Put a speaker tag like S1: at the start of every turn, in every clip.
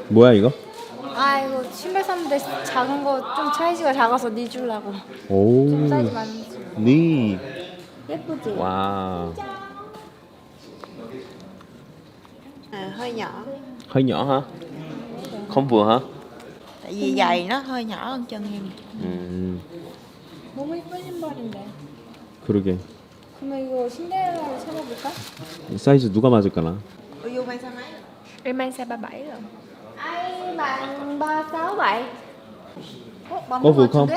S1: 뭐야 이거?
S2: 아 이거 신발 샀는데 작은 거 좀 사이즈가 작아서 니 주려고.
S1: 오.
S2: 좀 사이즈 많은 거.
S1: 니.
S2: 예쁘지?
S1: Wow.
S3: À, hơi nhỏ.
S1: Hơi nhỏ hả? Không vừa hả?
S3: Tại vì giày nó hơi nhỏ hơn chân em.
S2: 너무 예쁜 신발인데.
S1: 그러게.
S2: 그러면 이거 신데렐라를 찾아볼까?
S1: 사이즈 누가 맞을까나?
S3: Ủa vô mang sao mấy?
S2: Em mang size 37 rồi. Ai bằng 367.
S1: Có vừa không?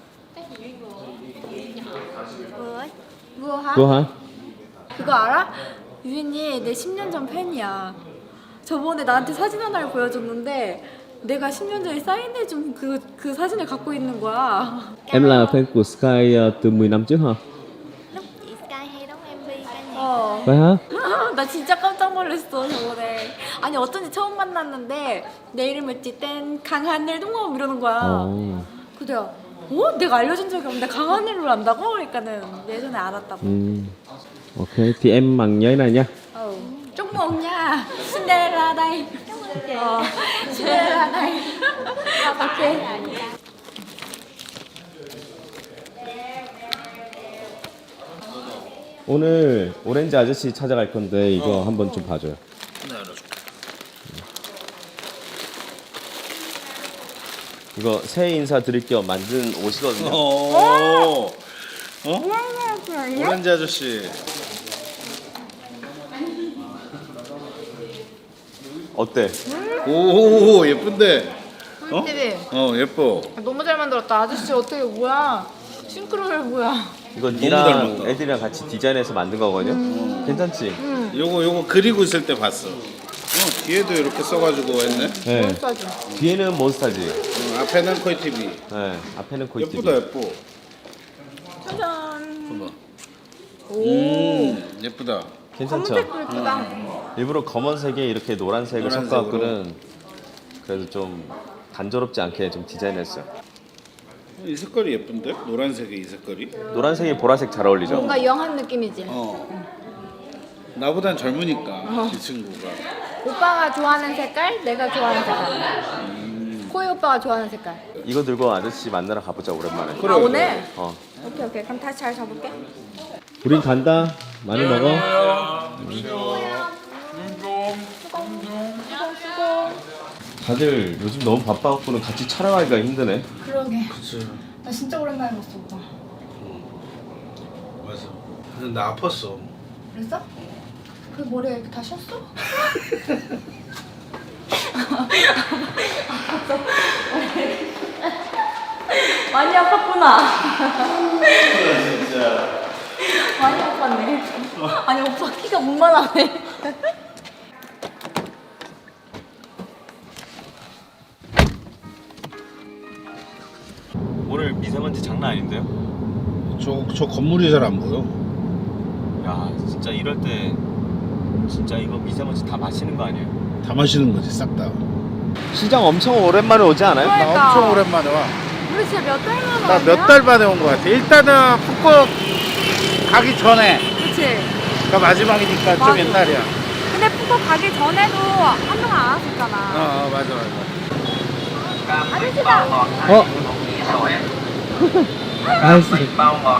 S3: Vừa ấy.
S2: vừa hả?
S1: 그거 hả?
S2: 그거 알아? 유진이 내 10년 전 팬이야. 저번에 나한테 사진 하나를 보여줬는데 내가 10년 전에 사인해준 그 사진을 갖고 있는 거야.
S1: Em là fan của Sky từ 10 năm trước hả?
S3: Lúc chị Sky hay đóng MV ca nhạc.
S2: 어.
S1: Vậy hả?
S2: 나 진짜 깜짝 놀랐어 저번에. 아니 어쩐지 처음 만났는데 내 이름을 띠땐 강하늘 동업 이러는 거야.
S1: 어.
S2: 그래요. 내가 알려준 적이 없는데 강하늘을 안다고? 그러니까는 예전에 알았다고.
S1: Ok, thì em mặc nhớ này nha.
S2: Chúc mừng nha. Cinderella đây. Cinderella đây. Ok.
S1: 오늘 오렌지 아저씨 찾아갈 건데 이거 한번 좀 봐줘요. 이거 새해 인사 드릴 겸 만든 옷이거든요.
S4: 어? 오렌지 아저씨.
S1: 어때?
S4: 오 예쁜데.
S2: TV.
S4: 예뻐.
S2: 너무 잘 만들었다. 아저씨 어떻게 뭐야? 싱크로율 뭐야?
S1: 이거
S4: 잘
S1: 니랑
S4: 만들었다.
S1: 애들이랑 같이 디자인해서 만든 거거든요. 괜찮지?
S4: 요거 그리고 있을 때 봤어. 뒤에도 이렇게 써가지고 했네.
S1: 네.
S2: 몬스타지.
S1: 뒤에는 몬스타지.
S4: 앞에는 코이 TV.
S1: 네. 앞에는 코이
S4: 예쁘다 예뻐.
S2: 짜잔.
S4: 봐봐.
S2: 오.
S4: 예쁘다.
S1: 괜찮죠?
S2: 검은색도 예쁘다.
S1: 일부러 검은색에 이렇게 노란색을
S4: 노란색으로.
S1: 섞어갖고는 그래도 좀 단조롭지 않게 좀 디자인했어요.
S4: 이 색깔이 예쁜데? 노란색에 이 색깔이?
S1: 노란색이 보라색 잘 어울리죠?
S2: 뭔가 영한 느낌이지.
S4: 나보단 젊으니까 이 친구가.
S2: 오빠가 좋아하는 색깔, 내가 좋아하는 색깔. 코이 오빠가 좋아하는 색깔.
S1: 이거 들고 아저씨 만나러 가보자 오랜만에.
S4: 그래,
S2: 아 오늘?
S1: 어.
S2: 오케이. 그럼 다시 잘 잡을게.
S1: 우린 간다. 많이 먹어. 다들 요즘 너무 바빠갖고는 같이 촬영하기가 힘드네.
S2: 그러게.
S4: 그치.
S2: 나 진짜 오랜만에 봤어 오빠.
S4: 맞아. 근데 나 아팠어.
S2: 그랬어? 그 머리가 이렇게 다 쉬었어? 많이 아팠구나.
S4: 진짜.
S2: 많이 아팠네. 아니 오빠 키가 문만하네.
S1: 오늘 미세먼지 장난 아닌데요?
S4: 저 건물이 잘 안 보여.
S1: 야 진짜 이럴 때 진짜 이거 미세먼지 다 마시는 거 아니에요?
S4: 다 마시는 거지 싹 다.
S1: 시장 엄청 오랜만에 오지 않아요?
S2: 그러니까.
S4: 나 엄청 오랜만에 와.
S2: 우리 진짜 몇 달 만에
S4: 나 몇 달 만에 온 거 같아. 일단은 북극 가기 전에.
S2: 그치?
S4: 가 마지막이니까
S2: 맞아.
S4: 좀 옛날이야.
S2: 근데 푸고 가기 전에도 한동안 안 왔었잖아.
S4: 맞아.
S2: 아저씨다.
S1: 어? 아저씨.
S5: bao ngọt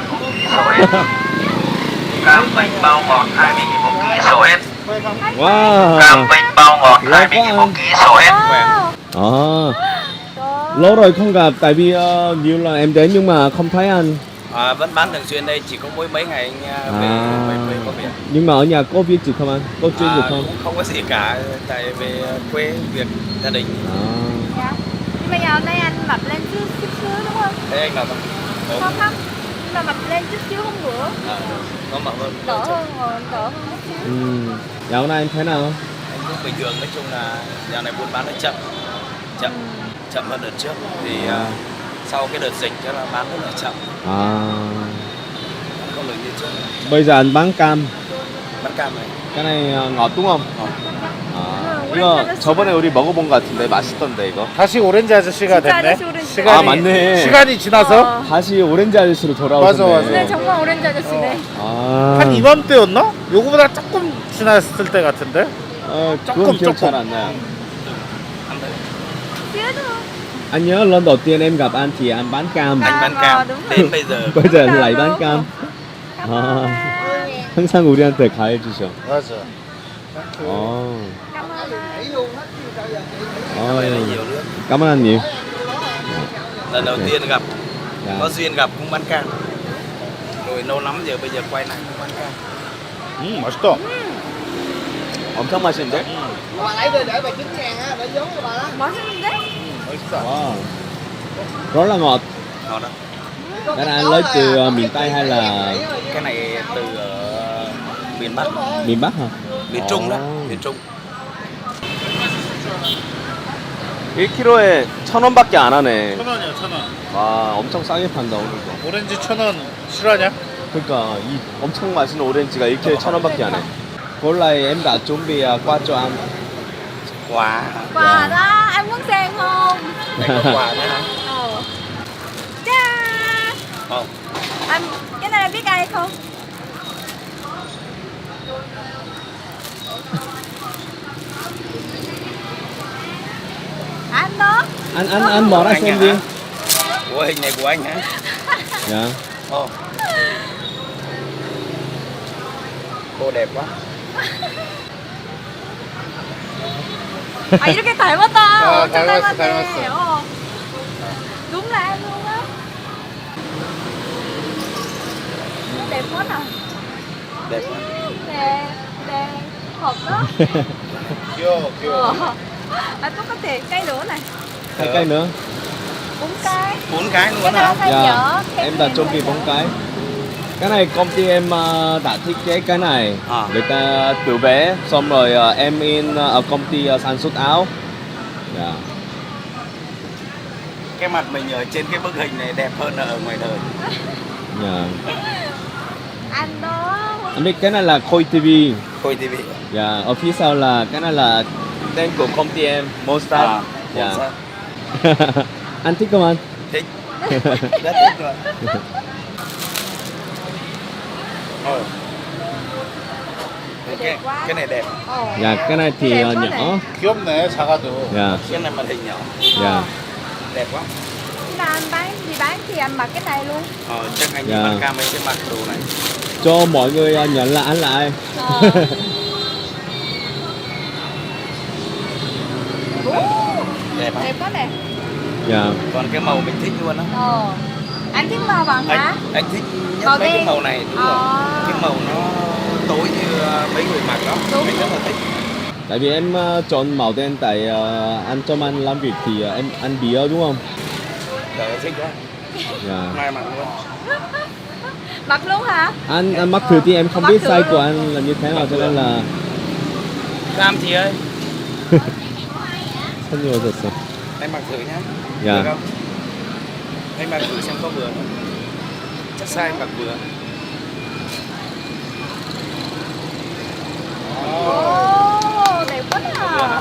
S5: 2 bình bao ngọt 20.000 một ký sổ hết.
S1: 와.
S5: Bình bao ngọt 20.000 một ký sổ hết.
S1: À, lâu rồi không gặp tại vì nhiều lần em đến nhưng mà không thấy anh.
S5: Vẫn bán thường xuyên đây, chỉ có mỗi mấy ngày anh về quê có việc.
S1: Nhưng mà ở nhà có việc gì không anh? Có chuyện gì không?
S5: Cũng không có gì cả, tại về quê việc gia đình.
S2: Dạ. Nhưng mà giờ hôm nay anh mập lên chút xíu đúng không?
S5: Thế anh làm không?
S2: Không không. Nhưng mà mập lên chút xíu hôm bữa.
S5: Nó mập hơn.
S2: Đỡ hơn rồi, đỡ hơn chút xíu.
S1: Dạo này em thế nào?
S5: Anh cũng bình thường, nói chung là dạo này buôn bán nó chậm hơn đợt trước. Thì sau cái đợt dịch cho nó bán rất là chậm,
S1: À,
S5: không được như trước.
S1: bây giờ anh bán cam.
S5: Bán cam này.
S1: cái này ngọt đúng không? 아, 이거 저번에 우리 먹어본 것 같은데 맛있던데 이거.
S4: 다시 오렌지 아저씨가
S2: 진짜
S4: 됐네.
S2: 아저씨 오렌지.
S4: 시간이,
S1: 아, 맞네.
S4: 시간이 지나서
S1: 다시 오렌지 아저씨로 돌아오셨네.
S4: 맞아.
S2: 네 정말 오렌지 아저씨네.
S1: 아,
S4: 한 이맘때였나? 요거보다 조금 지났을 때 같은데.
S1: 그건
S4: 조금,
S1: 기억
S4: 조금.
S1: 잘 안 나요.
S2: xíu thôi.
S1: Anh nhớ lần đầu tiên em gặp anh thì anh bán cam.
S5: Anh bán
S2: Ờ,
S5: cam
S2: đúng rồi.
S5: đến bây giờ.
S1: bây giờ lại bán cam.
S2: Cảm ơn
S1: 아,
S2: anh.
S1: 항상 우리한테 가해 주셔.
S4: 맞아.
S1: 어.
S2: Cảm ơn anh.
S5: Vậy là
S1: 어.
S5: nhiều nước.
S1: cảm ơn anh nhiều.
S5: Lần đầu tiên gặp,
S1: Dạ.
S5: có duyên gặp cũng bán cam. Rồi lâu lắm giờ bây giờ quay lại cũng bán cam.
S4: 맛있다.
S1: 엄청 맛있는데?
S2: 맛있는데?
S4: 맛있다.
S1: Wow. Rất là ngọt.
S5: Ngon đó.
S1: Cái này anh lấy từ miền Tây hay là
S5: Cái này từ miền Bắc,
S1: miền Bắc hả?
S5: miền Trung đó,
S1: Ồ.
S5: miền Trung.
S1: 1kg에 1,000원밖에 안 하네.
S4: 1,000원이야, 1,000원.
S1: 와, 엄청 싸게 판다 오늘도.
S4: 오렌지 1,000원 실화냐?
S1: 그러니까 이 엄청 맛있는 오렌지가 1kg에 1,000원밖에 안 해. Hôm nay em đã chuẩn bị qua cho anh.
S5: Quả.
S2: Quà đó, anh muốn xem không?
S5: Đây có quả nữa hả?
S2: Ờ. Cha.
S5: Không.
S2: Anh, cái này anh biết ai không? Anh đó.
S1: Anh mở ra
S5: Anh
S1: xem
S5: hả?
S1: đi.
S5: Ủa hình này của anh hả?
S1: Dạ.
S5: Ồ. Cô đẹp quá.
S2: 아 이렇게 닮았다.
S4: 아,
S2: 엄청
S4: 닮았어,
S2: 닮았네.
S4: 닮았어.
S2: 어. Đúng là em luôn á. Đẹp quá nào.
S5: Đẹp quá.
S2: Đẹp, đẹp. Hợp đó.
S4: 귀여워, 귀여워.
S2: À tôi có thể cây nữa này.
S1: 2 cây nữa.
S2: 4 cái.
S5: 4 cái
S2: Cái
S5: luôn
S2: nào
S5: hả?
S2: hay
S1: Dạ.
S2: dở.
S1: Em đã chuẩn bị 4 cái. Cái này công ty em đã thiết kế cái này.
S5: À.
S1: Người ta tự vẽ xong rồi em in ở công ty sản xuất áo. Dạ.
S5: Cái mặt mình ở trên cái bức hình này đẹp hơn ở ngoài đời.
S1: Dạ.
S2: Anh đó.
S1: Anh biết cái này là Khôi TV.
S5: Khôi TV.
S1: Dạ, ở phía sau là cái này là tên của công ty em, Mostar.
S5: À,
S1: Dạ.
S5: Mostar.
S1: Anh thích không anh?
S5: Thích. Rất thích rồi. Ồ.
S2: Đẹp quá.
S5: Cái này đẹp.
S2: Ồ.
S1: Dạ, cái này thì
S2: Đẹp quá
S1: nhỏ.
S2: này.
S4: 귀엽네, 작아도.
S1: Dạ,
S5: Cái này màn hình nhỏ.
S1: dạ.
S5: Đẹp quá.
S2: Khi nào anh bán thì anh mặc cái này luôn.
S5: Chắc anh
S1: Dạ.
S5: bán cam ấy sẽ mặc đồ này.
S1: Cho mọi người nhận là anh là ai.
S2: Ờ.
S5: Đẹp hả?
S2: Đẹp quá nè.
S1: Dạ.
S5: Còn cái màu mình thích luôn á.
S2: Ờ. Anh thích màu vàng hả?
S5: Anh thích nhất
S2: Màu
S5: mấy cái
S2: đen.
S5: màu này đúng rồi. Cái màu nó tối như mấy người mặc đó.
S2: Đúng.
S5: Anh rất là thích.
S1: Tại vì em chọn màu đen tại anh trong anh làm việc thì em ăn bia đúng không?
S5: Trời thích quá.
S1: Dạ.
S5: Mai mặc luôn.
S2: Mặc luôn hả?
S1: Anh mắc thử thì em không
S2: Mắc
S1: biết
S2: thử
S1: size
S2: luôn.
S1: của anh là như thế nào cho nên là
S5: Cam chị ơi.
S1: không nhiều thật sự.
S5: Em mặc thử nhá.
S1: Dạ.
S5: Được không? Em mặc thử xem có vừa không? Chắc size mặc vừa.
S2: Ồ, đẹp quá à.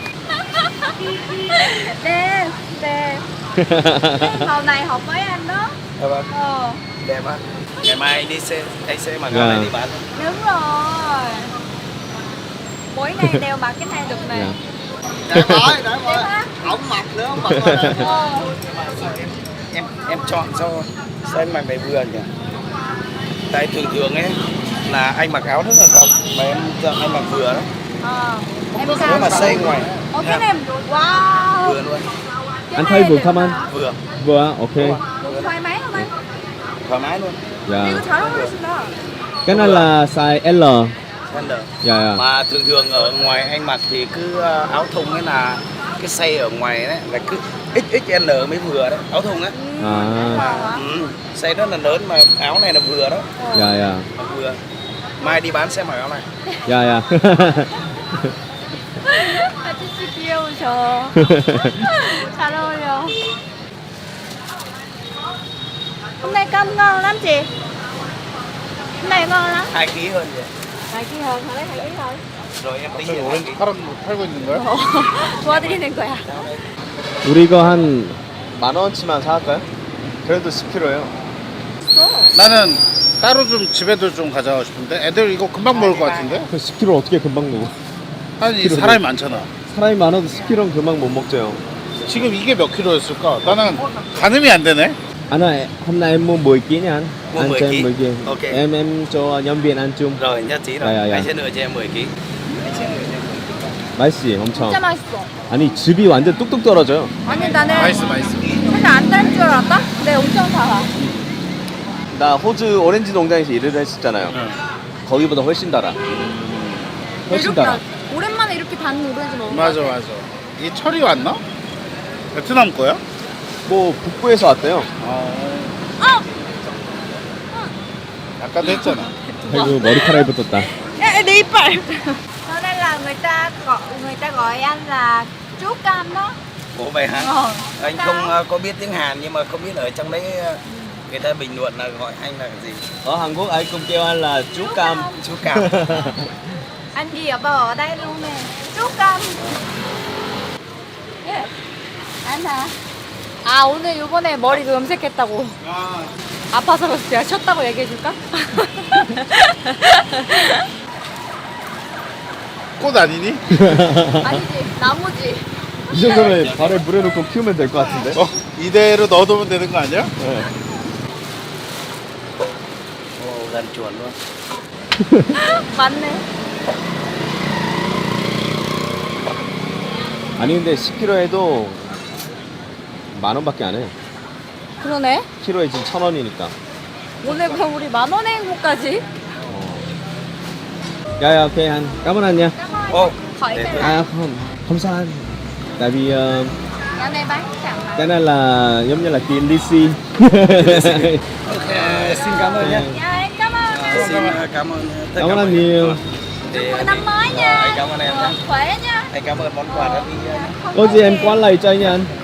S2: Đẹp, đẹp. Cái màu này hợp với anh đó.
S5: Được không?
S2: Ờ,
S5: Đẹp á. Ngày mai anh đi xe, anh sẽ mặc
S1: Dạ.
S5: áo này đi bán.
S2: đúng rồi. Mỗi ngày đều mặc cái này được này.
S1: Dạ.
S3: Để hỏi,
S2: Đẹp hả?
S3: ổng mặc nữa, ổng mặc rồi.
S2: Ờ.
S5: Em chọn sao anh mặc này vừa nhỉ? Tại thường ấy là anh mặc áo rất là rộng mà em chọn anh mặc vừa đó.
S2: Ờ. Em
S5: Nếu
S2: sao?
S5: mà xây ngoài
S2: Ồ, cái này wow.
S5: vừa luôn.
S2: Cái
S1: Anh
S2: này
S1: thấy vừa
S2: đẹp
S1: không anh?
S2: hả?
S5: Vừa.
S1: Vừa, ok.
S2: Được thoải mái không anh?
S5: Thoải mái luôn.
S1: Dạ.
S2: 이거 잘 어울리신다.
S1: Cái này là size L.
S5: Gender.
S1: Dạ. Dạ.
S5: Mà thường ở ngoài anh mặc thì cứ áo thun ấy là cái size ở ngoài đấy là cứ XXL mới vừa đấy, áo thun á.
S1: À.
S5: Size rất là lớn mà áo này là vừa đó,
S1: Dạ dạ.
S5: mặc vừa. Mai đi bán sẽ mặc áo này.
S1: Dạ dạ.
S2: 아저씨 귀여우셔. 잘 어울려. Hôm nay cơm ngon lắm chị. Hôm nay ngon lắm.
S5: 2 kg hơn vậy.
S2: 2kg hơn, lấy 2kg thôi.
S5: Rồi em tính
S4: 갑자기
S5: tiền
S4: 오렌지 팔고 있는 거야?
S2: 도와드리는 거야.
S1: 우리 이거 한 10,000원치만 사갈까요? 그래도 10kg예요.
S4: 나는 따로 좀 집에도 좀 가져가고 싶은데 애들 이거 금방 먹을 것 같은데?
S1: 그 10kg 어떻게 금방 먹어?
S4: 아니
S1: 그러네.
S4: 사람이 많잖아.
S1: 사람이 많아도 10kg는 금방 못 먹죠.
S4: 지금 이게 몇 킬로였을까? 나는 가늠이 안 되네.
S1: Anh ơi, hôm nay em mua 10 kg nha anh.
S5: Mua
S1: Anh
S5: 10
S1: cho em
S5: kg.
S1: 10 kg.
S5: Ok.
S1: Em cho nhân viên ăn chung.
S5: Rồi nhất trí rồi.
S1: Dạ, dạ, dạ.
S5: Anh sẽ đưa cho em 10 kg.
S1: 맛있지, 엄청.
S2: 진짜 맛있어.
S1: 아니 즙이 완전 뚝뚝 떨어져요.
S2: 아니 나는
S4: 맛있어.
S2: 사실 안 달 줄 알았다? 근데 엄청 달아.
S1: 나 호주 오렌지 농장에서 일을 했었잖아요. 거기보다 훨씬 달아. 훨씬 달아.
S2: 오랜만에 이렇게 단 오렌지 먹은 거
S4: 맞아. 이 철이 왔나? 베트남 거야?
S1: 뭐 북부에서 왔대요.
S4: 아까도 했잖아.
S1: 아이고 머리카락이 붙었다.
S2: 내 이빨. Cho nên là người ta gọi anh là chú Cam đó.
S5: Ủa vậy hả? Anh
S2: Sao?
S5: không có biết tiếng Hàn nhưng mà không biết ở trong đấy người ta bình luận là gọi anh là gì?
S1: Ở Hàn Quốc ai cũng kêu anh là chú Cam.
S5: Chú Cam.
S2: Anh gì ở bờ ở đây luôn nè. Chú Cam. 예. anh hả? 아 오늘 요번에 머리 그 염색했다고. 아파서 내가 쉬었다고 얘기해줄까?
S4: 꽃 아니니?
S2: 아니지 나무지.
S1: 이 정도면 발에 물에 넣고 키우면 될 것 같은데.
S4: 이대로 넣어두면 되는 거 아니야?
S1: 네.
S5: Ồ, gần chuồn luôn.
S2: 맞네.
S1: 아니 근데 10kg 해도 10,000원밖에 안 해.
S2: 그러네.
S1: 키로에 지금 1,000원이니까.
S2: 오늘 그럼 우리 10,000원의 행복까지.
S1: Dạ ok anh, cảm ơn anh nha.
S5: Ồ,
S2: khỏi
S5: để
S2: cái
S5: tôi-
S1: À không sao anh. Tại vì
S2: Nhà này bán chẳng là.
S1: cái này là giống như là tiền DC.
S5: Ok, xin cảm ơn nhé.
S2: Dạ em cảm ơn anh.
S5: Xin cảm ơn tất
S1: Cảm
S5: cả
S1: ơn
S5: mọi
S1: anh
S5: người.
S1: nhiều.
S5: Để-
S2: Mừng năm mới nha.
S5: Anh cảm ơn em nhé.
S2: Khỏe nha.
S5: Anh cảm ơn món quà đã đi.
S1: Có gì em qua lại cho anh nha anh.